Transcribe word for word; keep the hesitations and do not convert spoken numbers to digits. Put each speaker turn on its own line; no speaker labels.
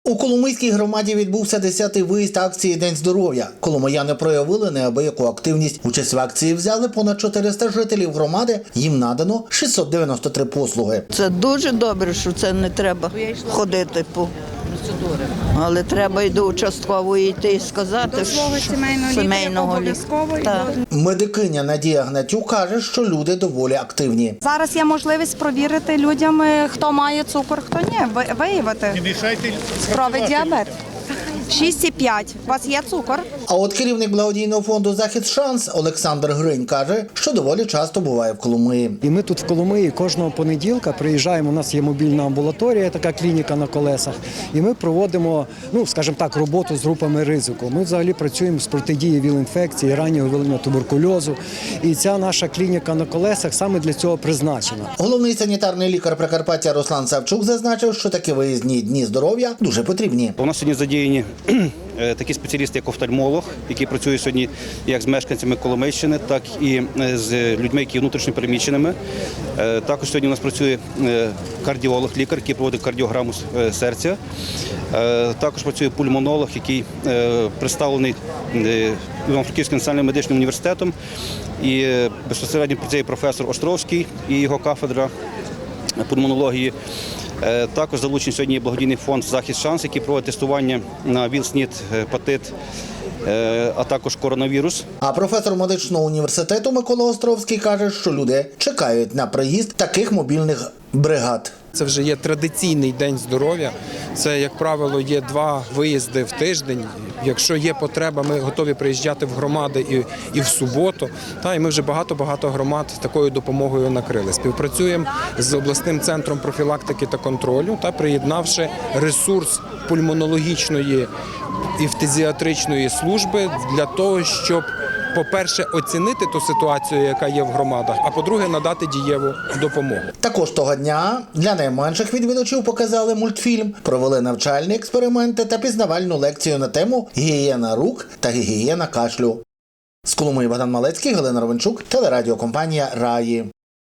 У Коломийській громаді відбувся десятий виїзд акції «День здоров'я». Коломияни проявили неабияку активність. Участь в акції взяли понад чотириста жителів громади. Їм надано шістсот дев'яносто три послуги.
Це дуже добре, що це не треба ходити по процедури. Але треба і до участкової йти і сказати,
До свого
що
сімейного,
сімейного
лікаря обов'язково.
Так.
Медикиня Надія Гнатюк каже, що люди доволі активні.
Зараз є можливість провірити людям, хто має цукор, хто ні, ви- виявити.
Не мішайте
Цукровий діабет. шість і п'ять. У вас є цукор?
А от керівник благодійного фонду «Захід Шанс» Олександр Гринь каже, що доволі часто буває в Коломиї.
І ми тут в Коломиї кожного понеділка приїжджаємо, у нас є мобільна амбулаторія, така клініка на колесах, і ми проводимо, ну, скажімо так, роботу з групами ризику. Ми взагалі працюємо з протидії ВІЛ-інфекції, раннього виявлення туберкульозу, і ця наша клініка на колесах саме для цього призначена.
Головний санітарний лікар Прикарпаття Руслан Савчук зазначив, що такі виїзні дні здоров'я дуже потрібні.
У нас сьогодні задіяні такі спеціалісти, як офтальмолог, які працюють сьогодні як з мешканцями Коломийщини, так і з людьми, які є внутрішньо переміщеними. Також сьогодні у нас працює кардіолог, лікар, який проводить кардіограму серця. Також працює пульмонолог, який представлений Івано-Франківським національним медичним університетом. І безпосередньо працює професор Островський і його кафедра пульмонології. Також залучений сьогодні благодійний фонд «Захід Шанс», який проводить тестування на ВІЛ, СНІД, гепатит, а також коронавірус.
А професор медичного університету Микола Островський каже, що люди чекають на приїзд таких мобільних бригад.
Це вже є традиційний день здоров'я. Це, як правило, є два виїзди в тиждень. Якщо є потреба, ми готові приїжджати в громади і, і в суботу. Та, і ми вже багато-багато громад такою допомогою накрили. Співпрацюємо з обласним центром профілактики та контролю, та приєднавши ресурс пульмонологічної і фтизіатричної служби для того, щоб, по-перше, оцінити ту ситуацію, яка є в громадах, а по-друге, надати дієву допомогу.
Також того дня для найменших відвідувачів показали мультфільм, провели навчальні експерименти та пізнавальну лекцію на тему «Гігієна рук та гігієна кашлю». З Коломиї Богдан Малецький, Галина Ровенчук, телерадіокомпанія «Раї».